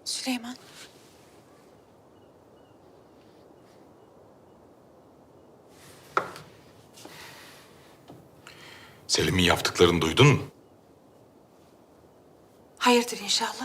Süleyman. Selim'in yaptıklarını duydun mu? Hayırdır inşallah.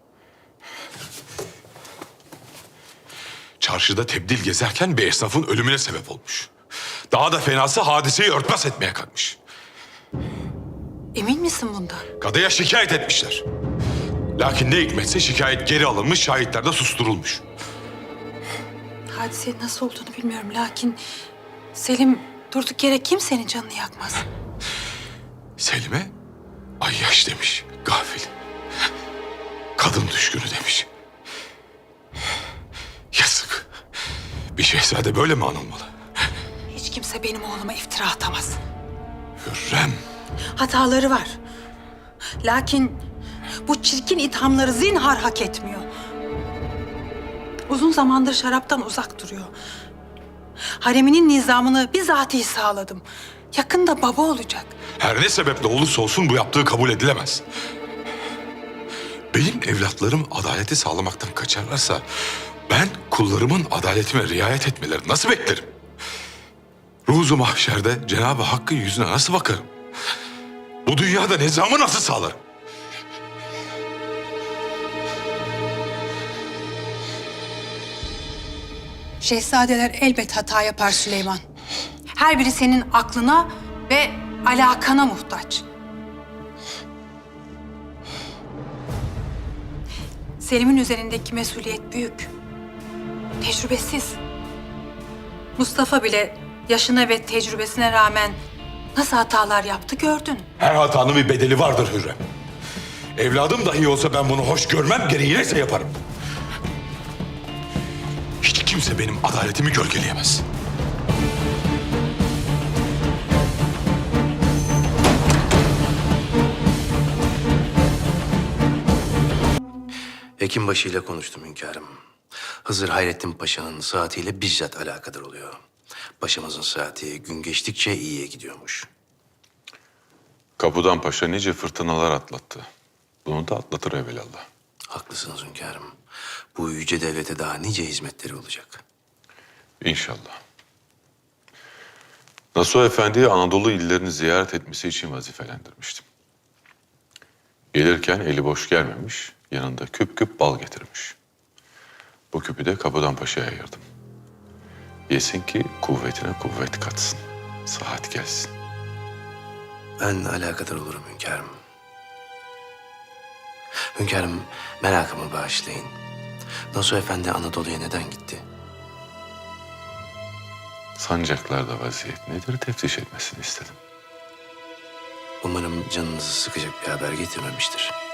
Çarşıda tebdil gezerken bir esnafın ölümüne sebep olmuş. Daha da fenası hadiseyi örtbas etmeye kalkmış. Emin misin bundan? Kadıya şikayet etmişler. Lakin ne hikmetse şikayet geri alınmış, şahitler de susturulmuş. Hadisenin nasıl olduğunu bilmiyorum lakin... Selim durduk yere kimsenin canını yakmaz. Selim'e ayyaş demiş, gafil. Kadın düşkünü demiş. Yazık. Bir şehzade böyle mi anılmalı? Hiç kimse benim oğluma iftira atamaz. Hürrem. Hataları var. Lakin bu çirkin ithamları zinhar hak etmiyor. Uzun zamandır şaraptan uzak duruyor. Hareminin nizamını bizatihi sağladım. Yakında baba olacak. Her ne sebeple olursa olsun bu yaptığı kabul edilemez. Benim evlatlarım adaleti sağlamaktan kaçarlarsa... ben kullarımın adaletime riayet etmelerini nasıl beklerim? Ruzu mahşerde Cenab-ı Hakk'ın yüzüne nasıl bakarım? Bu dünyada nizamı nasıl sağlarım? Şehzadeler elbet hata yapar Süleyman. Her biri senin aklına ve alakana muhtaç. Selim'in üzerindeki mesuliyet büyük. Tecrübesiz. Mustafa bile yaşına ve tecrübesine rağmen nasıl hatalar yaptı gördün. Her hatanın bir bedeli vardır Hürrem. Evladım dahi olsa ben bunu hoş görmem, gereği neyse yaparım. Hiç kimse benim adaletimi gölgeleyemez. Hekimbaşı ile konuştum hünkârım. Hızır Hayrettin Paşa'nın saatiyle bizzat alakadar oluyor. Paşamızın saati gün geçtikçe iyiye gidiyormuş. Kapudan Paşa nice fırtınalar atlattı. Bunu da atlatır evvelallah. Haklısınız hünkârım. Bu yüce devlete daha nice hizmetleri olacak. İnşallah. Nasuh Efendi'yi Anadolu illerini ziyaret etmesi için vazifelendirmiştim. Gelirken eli boş gelmemiş, yanında küp küp bal getirmiş. Bu küpü de Kapudan Paşa'ya ayırdım. Yesin ki kuvvetine kuvvet katsın. Saat gelsin. Ben alakadar olurum hünkârım. Hünkârım, merakımı bağışlayın. Nasuh Efendi Anadolu'ya neden gitti? Sancaklarda vaziyet nedir teftiş etmesini istedim. Umarım canınızı sıkacak bir haber getirmemiştir.